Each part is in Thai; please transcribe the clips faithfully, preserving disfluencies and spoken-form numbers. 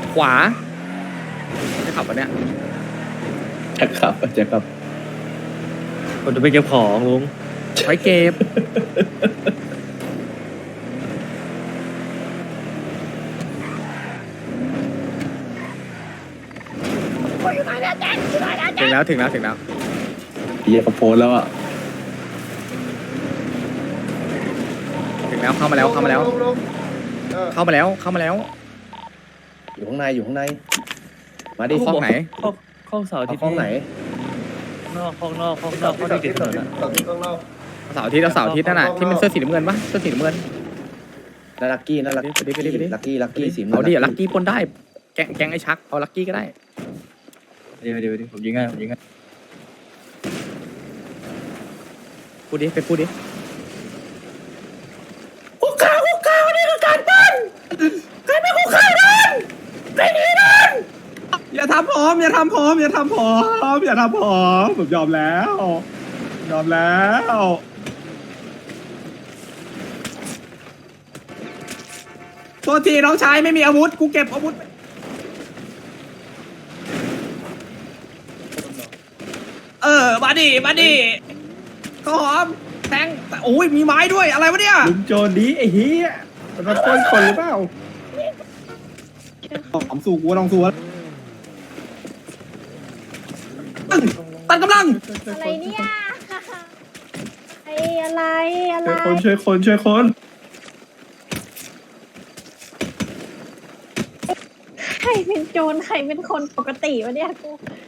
ขวาจะขับปะเนี่ยจะขับจะขับผมจะไปเก็บของลุงไว้เก็บถึงแล้วถึงแล้วถึงแล้วเฮียเขาโพสแล้วอ่ะถึงแล้วเข้ามาแล้วเข้ามาแล้ว เข้ามาแล้วเข้ามาแล้วอยู่ข้างในอยู่ข้างในมาดิห้องไหนห้องห้องเสาร์อาเอาทิตย์ห้องไหนนอกห้องนอกห้องนอกห้องที่ติดถนนอะเสาร์อาทิตย์เอาเสาร์อาทิตย์นั่นน่ะที่มันเสื้อสีน้ำเงินปะเสื้อสีน้ำเงินน่าลักกี้น่าลักไปดิไปดิไปดิลักกี้ลักกี้สีเอาดิลักกี้ปนได้แกงแกงไอ้ชักเอาลักกี้ก็ได้เดี๋ยวเดี๋ยวเดี๋ยวผมยิงง่ายผมยิงง่ายพูดดิไปพูดดิคุกข้าวคุกข้าวนี่คือการปั้นใครไม่คุกข้าวนั่นใครหนีนั่นอย่าทำผมอย่าทำผมอย่าทำผมอย่าทำผมผมยอมแล้วยอมแล้วโทษทีน้องชายไม่มีอาวุธกูเก็บอาวุธเออมาดิมาดิข้าวหอมแทงโอ้ยมีไม้ด้วยอะไรวะเนี่ยลุงโจรดีไอ้เหี้ยมันมาปล้นคนหรือเปล่าหอมสู่กูลองสู่ตัดกำลังอะไรเนี่ยไออะไรอะไรช่วยคนช่วยคนช่วยคนใครเป็นโจรใครเป็นคนปกติวะเนี่ยกู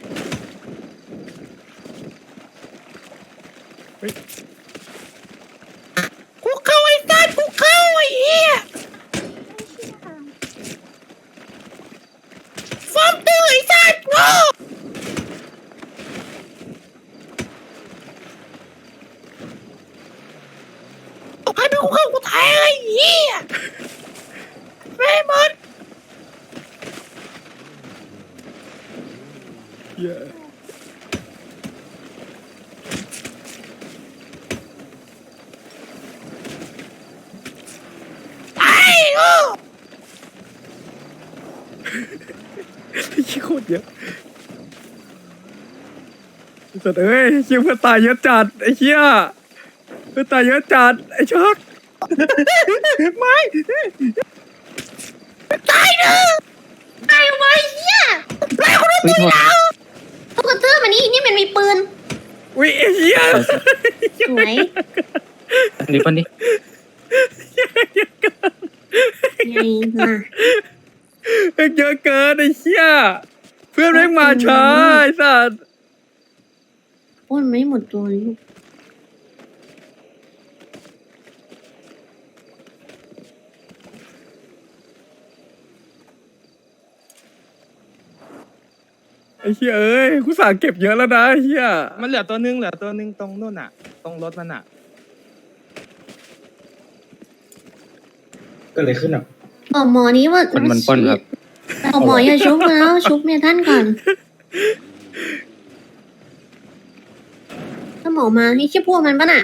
กูเข้าไอ้สัตว์กูเข้าไอ้เหี้ยฟอมตื้อไอ้สัตว์โง่ใครเป็นกูเข้ากูตายไอ้เหี้ยไม่หมดเหี้ยขี้โคตรเยอะสัตว์เอ้ยเชี่ยเพื่อนตายเยอะจัดไอ้เชี่ยเพื่อนตายเยอะจัดไอ้ชักไม่ตายเนอะตายไว้เหี้ยตายคนละตัวแล้วตุ๊กตามันนี่นี่มันมีปืนอุ้ยไอ้เชี่ยสวยนี่ปะนี่ไงล่ะเยอะเกินไอ้เชี่ยเพื่อนแม่งมาช้าไอ้สัตว์ป้นไม่หมดตัวเลยลูกไอ้เชี่ยเอ้ยกูสั่งเก็บเยอะแล้วนะไอ้เชี่ยมันเหลือตัวนึงเหลือตัวนึงตรงนู่นอ่ะ ตรงรถมันอ่ะก็เลยขึ้นอ่ะบอกหมอนี้ว่าคนมันปล้นครับบอกหมออย่าชุบแล้วชุบเมียท่านก่อนถ้าหมอมานี่แค่พวกมันปะน่ะ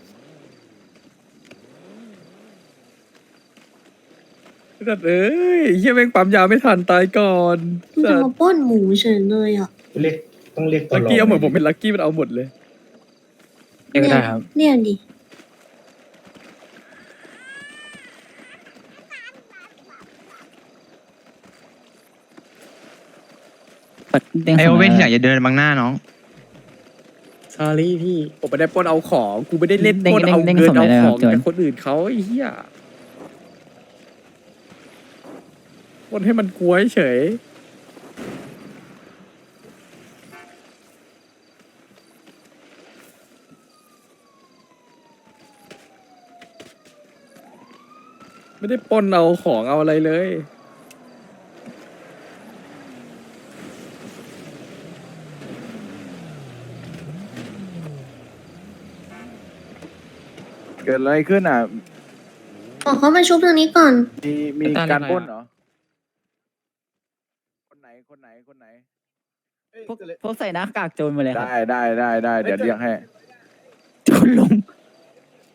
สัตว์เอ้ยไอ้เชี่ยแม่งปั๊มยาไม่ทันตายก่อนมันสัจะตมาว์ปล้นหมูเฉยเลยอ่ะเรียกต้องเรียกลักกี้เอาเหมือนผมเป็นลักกี้มันเอาหมดเลยเรียกก็ได้ครับเรียกดิไอโอเว่นที่อยากจะเดินบังหน้าน้องซารี่พี่ผมไม่ได้ปล้นเอาของกูไม่ได้เล่นเด้งปล้นเอาเด้งเงินส่งเอาได้เลยขครัอบ งโจรจากคนอื่นเขาไอ้เหี้ยปล้นให้มันกลัวเฉยไม่ได้ปล้นเอาของเอาอะไรเลยเกิดอะไรขึ้นอ่ะบอกเขามาชุบทางนี้ก่อนมีมีตาเรียกการอะไรปล้นอะเหรอ คนไหน คนไหน คนไหนพวกพวกใส่หน้ากากโจรมาเลยครับได้ได้ได้ได้เดี๋ยวเรียกให้โจรลง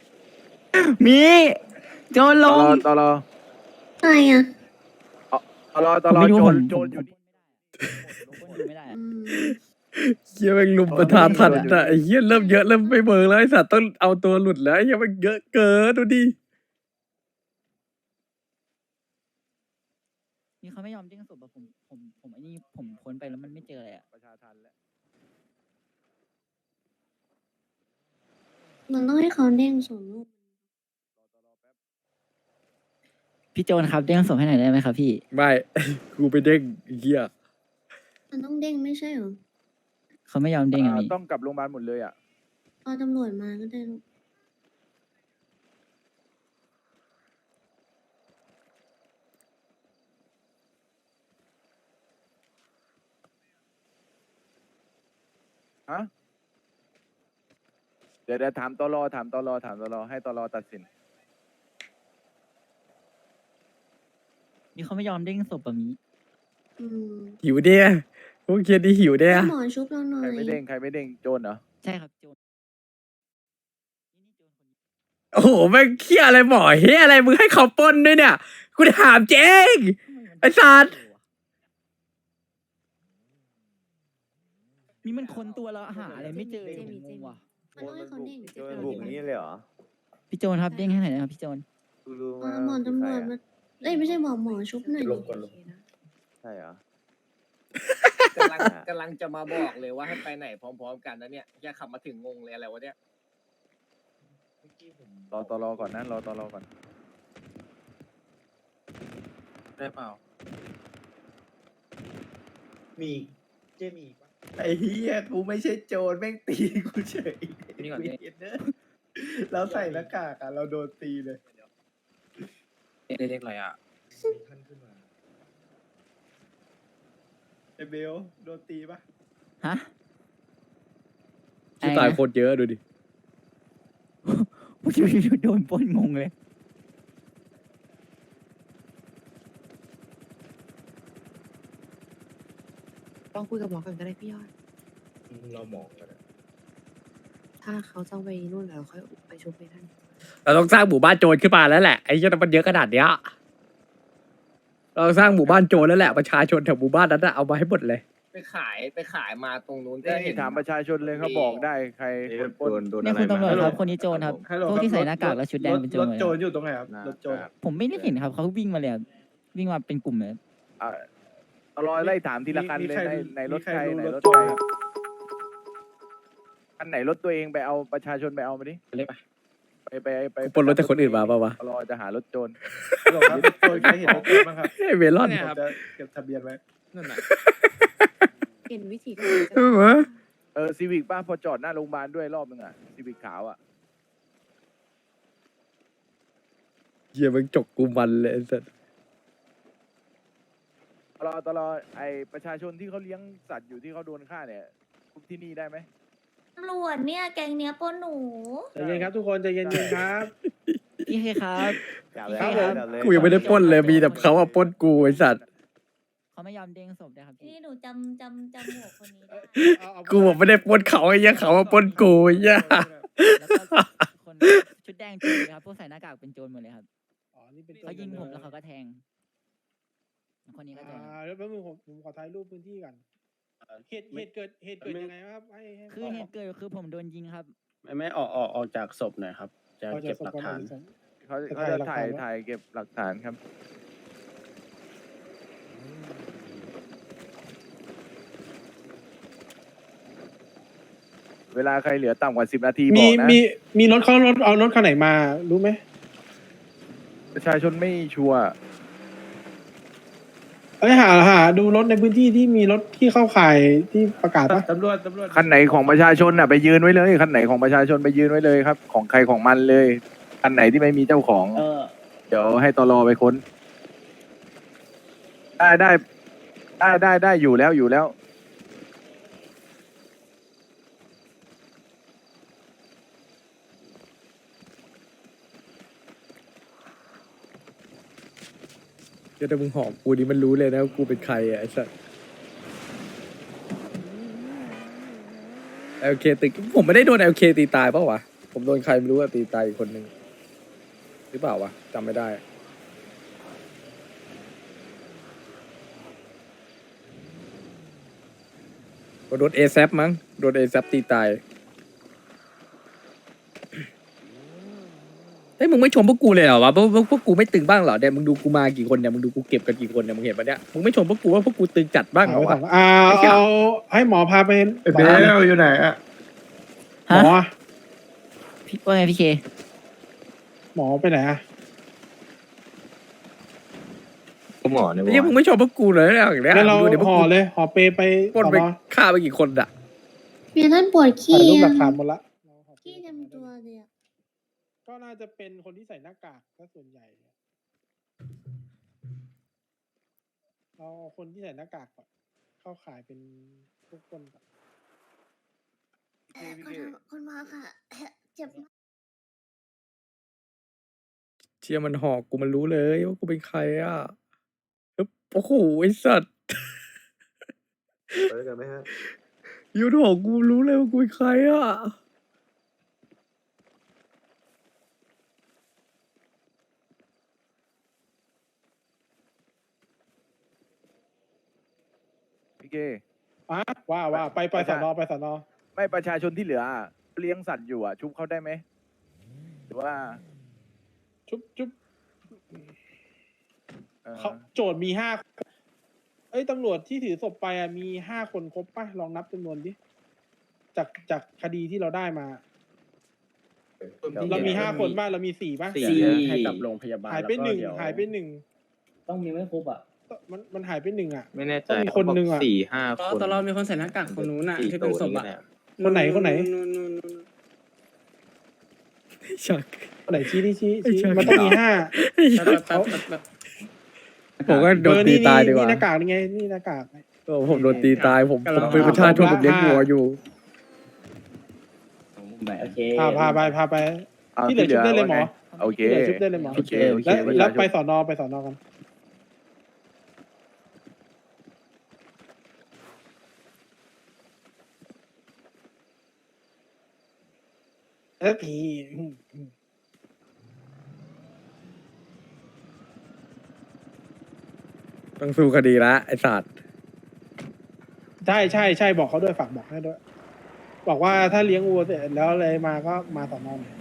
มีโจรลตอง รอตอรออะไรอ่ะตลอดตลอดผมไม่รู้โจผรมโจรอยู่นี่ผมอยู่ไม่ได้อืมเฮียแม่งลุมประทานทันอ่ะไอ้เฮียเริ่มเยอะเริ่มไม่เบิร์แล้วไอ้สัตว์ต้องเอาตัวหลุดแล้วไอ้เฮียมันเยอะเกินดูดินี่เขาไม่ยอมเด้งศพอะผมผมผมไอ้นี่ผมค้นไปแล้วมันไม่เจออะไรอะประชาทันแล้วมันต้องให้เขาเด้งส่งลูกพี่โจนครับเด้งศพให้หน่อยได้ไหมครับพี่ไม่ กูไปเด้งไอ้เฮียมันต้องเด้งไม่ใช่เหรอเขาไม่ยอมเด้งอะอ่าพี่ต้องกลับโรงพยาบาลหมดเลยอ่ะเอาตำรวจมาก็ได้ลูกฮะเดี๋ยวเดี๋ยวถามตลอถามตลอถามตลอให้ตลอตัดสินนี่เขาไม่ยอมเด้งศพแบบนี้อืมหิวเดียพวกเคียนี่หิวเดียให้หมอชุบเราหน่อใครยไม่เด้งใครไม่เด้งโจรเหรอใช่ครับโจนนี่นี่โจนคนนี้โอ้โหแม่งเคียอะไรหมอเฮียอะไรมึงให้เขาปล้นด้วยเนี่ยกูถามเจ๊ง ไอ้สัตว์นี่มันคนตัวเราหาอะไรไม่เจอผมงงว่ะมันต้องให้เขาเด้งโจรบุกนี่เลยเหรอพี่โจนครับเด้งให้หน่อยนะครับพี่โจนกูรู้เอมาอหมอตำรวจมาเอ้ยไม่ใช่หมอหมอชุบหน่อยดิใช่เหรอกำลังกำลังจะมาบอกเลยว่าให้ไปไหนพร้อมๆกันนะเนี่ยแค่ขับมาถึงงงเลยอะไรวะเนี่ยรอตลอก่อนนะรอตลอก่อนได้เปล่ามีเจมีปะไอ้เฮียกูไม่ใช่โจรแม่งตีกูเฉยนี่ก่อนกูเห็นเนอะเราใส่หน้ากากอะเราโดนตีเลยเล็กๆอะไรอ่ะไอ้เบลโดนตีปะฮะที่ตายโคตรเยอะดูดิผู้ชายโดนปล้นงงเลยต้องคุยกับหมอก่อนก็ได้พี่ยอดเรามองกันถ้าเขาจะไปนู่นแล้วค่อยไปชุบไปท่านเราต้องสร้างหมู่บ้านโจรขึ้นมาแล้วแหละไอ้เหี้ยมันเยอะขนาดเนี้ยเราสร้างหมู่บ้านโจรแล้วแหละประชาชนแถวหมู่บ้านนั้นอะเอามาให้หมดเลยไปขายไปขายมาตรงนู้นก็นี่เห็นถามประชาชนเลยเขาบอกได้ใครคนปล้โดนนโดนนี่อะไรคุณตำรวจมาครับคนนี้โจรครับฮัลโหลพวกที่ใส่หน้ากากแล้วชุดแดงเป็นโจรรถเลยโจรอยู่ตรงไหนครับรถโจรผมไม่ได้เห็นครับเขาวิ่งมาเลยอะวิ่งมาเป็นกลุ่มเลยอ่ะตลอไล่ถามทีละคันมีเลยใครในในรถมีใครใครรู้ไหนรรถถโจใครรครับคันไหนรถตัวเองไปเอาประชาชนไปเอามาดิเล็กไปไปไปไปปล้นรถจากคนอื่นมาปะวะตลอจะหารถโจรฮัลโหลครับรถโจรใครเห็นรถโจรบ้างครับไอ้เมลอนผมจะเก็บทะเบียนไว้นั่นน่ะเห็นวิธีการเออวะเออซีวิกป้าพอจอดหน้าโรงพยาบาลด้วยรอบนึงอ่ะซีวิกขาวอ่ะเหี้ยมันจกกูมันเลยไอ้สัสตลอตลอไอประชาชนที่เขาเลี้ยงสัตว์อยู่ที่เขาโดนฆ่าเนี่ยทุกที่นี่ได้ไหมตำรวจเนี่ยแกงเนี้ยปล้นหนูใจเย็นครับทุกคนใจเย็นๆครับพี่เคครับจับเลยครับผมจับเลยกูยังไม่ได้ปล้นเลยมีแต่เขาอะปล้นกูไอ้สัตว์เขาไม่ยอมเด้งศพนะครับพี่นี่หนูจำจำจำหัวคนนี้ได้กูบอกไม่ได้ปล้นเขาไอ้เหี้ยเขาอะปล้นกูไอ้เหี้ยแล้วก็คนชุดแดงโจรเลยครับพวกใส่หน้ากากเป็นโจรหมดเลยครับอ๋อนี่เป็นเขายิงผมแล้วเขาก็แทง คนนี้ก็โจรอ่าแล้วแป๊บนึงผมผมขอถ่ายรูปพื้นที่ก่อนเหตุเหตุเกิดเหตุเกิดยังไงครับให้ให้คือเหตุเกิดคือผมโดนยิงครับไม่ไม่ออกออกออกจากศพหน่อยครับ จะเก็บหลักฐานเขาเขาจะถ่ายถ่ายเก็บหลักฐานครับ เวลาใครเหลือต่ำกว่าสิบนาทีบมีอกนะมีมีรถเขารถเอารถคันไหนมารู้ไหมประชาชนไม่ชัวร์เอ้ยหาหาดูรถในพื้นที่ที่มีรถที่เข้าข่ายที่ประกาศปะตำรวจตำรวจคันไหนของประชาชนน่ะไปยืนไว้เลยคันไหนของประชาชนไปยืนไว้เลยครับ ของใครของมันเลยคันไหนที่ไม่มีเจ้าของเออเดี๋ยวให้ตลอไปค้น ได้ได้ได้ได้ได้อยู่แล้วอยู่แล้วเดี๋ยวถ้ามึงหอมกูนี่มันรู้เลยนะว่ากูเป็นใครอะไอ้สัสเอลเคตีผมไม่ได้โดนเอลเคตีตายเปล่าวะผมโดนใครไม่รู้อะตีตายอีกคนนึงหรือเปล่าวะจำไม่ได้โดนเอแซมั้งโดนเอแซตีตายเฮ้ยมึงไม่ชมพวกกูเลยเหรอวะพวกพวกพวกกูไม่ตึงบ้างเหรอเนี่ยมึงดูกูมากี่คนเนี่ยมึงดูกูเก็บกันกี่คนเนี่ยมึงเห็นปะเนี่ยมึงไม่ชมพวกกูว่าพวกกูตึงจัดบ้างเหรอวะอ่าเอาให้หมอพาไปเบลอยู่ไหนอะหมอพี่ว่าไงพี่เคหมอไปไหนอะหมอเนี่ยไอ้เหี้ยมึงไม่ชมพวกกูเลยเนี่ยอย่างเนี้ยงั้นเราดูเดี๋ยวพวกห่อกูเลยห่อเปไปปล้นสอนไปอฆ่าไปกี่คนอะเมียท่านปวดถ่าขี้ยรูปหลัอะกฐานหมดละขี้เต็มตัวเลยอะก็น่าจะเป็นคนที่ใส่หน้ากากถ้าส่วนใหญ่เอาคนที่ใส่หน้ากากก่อนเข้าขายเป็นทุกคนก่อนเอ่อคุณคุณหมอค่ะเจ็บมากเชียมันหอกกูมันรู้เลยว่ากูเป็นใครอ่ะปึ๊บโอ้โหไอ้สัตว์ไปด้วยกันไหมฮะยูนหอกกูรู้เลยว่ากูเป็นใครอ่ะพี่เกอ่ะว่าว่าไปไปสอนอไปสอนอไม่ประชาชนที่เหลืออะเลี้ยงสัตว์อยู่อ่ะ ชุบเขาได้ไหมหรือว่าชุบชุบเอ่อเขาโจทย์มีห้าเอ้ยตำรวจที่ถือศพไปอ่ะมีห้าคนครบป่ะลองนับจำนวนดิจากจากคดีที่เราได้มา เรามีห้าคนป่ะเรามีสี่ป่ะสี่ให้กับโรงพยาบาลหายไปแล้วก็หนึ่งเดี๋ยวหายไปหนึ่งต้องมีไม่ครบอ่ะมันมันหายไปหนึ่งอ่ะไม่แน่ใจต้องมีคนหนึ่งอะสี่ห้าคนตอนเรามีคนใส่หน้ากากคนนู้นน่ะที่เป็นศพอ่ะคนไหนคนไหนชักคนไหนชี้ที่ชี้ไอ้ชี้ชักมันต้องมีห้าผมก็โดนเออตีนี่ตายดีนี่กว่านี่หน้ากากนี่ไงนี่หน้ากากโอ้ผมโดนตีตายผมผมเป็นประชาชนผมเลี้ยงวัวอยู่โอเคพาพาไปพาไปเอาที่เหลือชุบได้เลยหมอว่าไงโอเคที่เหลือชุบได้เลยหมอโอเคโอเคแล้วประชาชนแล้วไปสอนอไปสอนอกันเออพี่อืมอืมต้องสู้คดีละไอ้สัตว์ใช่ใช่ใช่บอกเขาด้วยฝากบอกให้ด้วย บอกว่าถ้าเลี้ยงวัวเสร็จแล้วอะไรมาก็มาสอนอหน่อย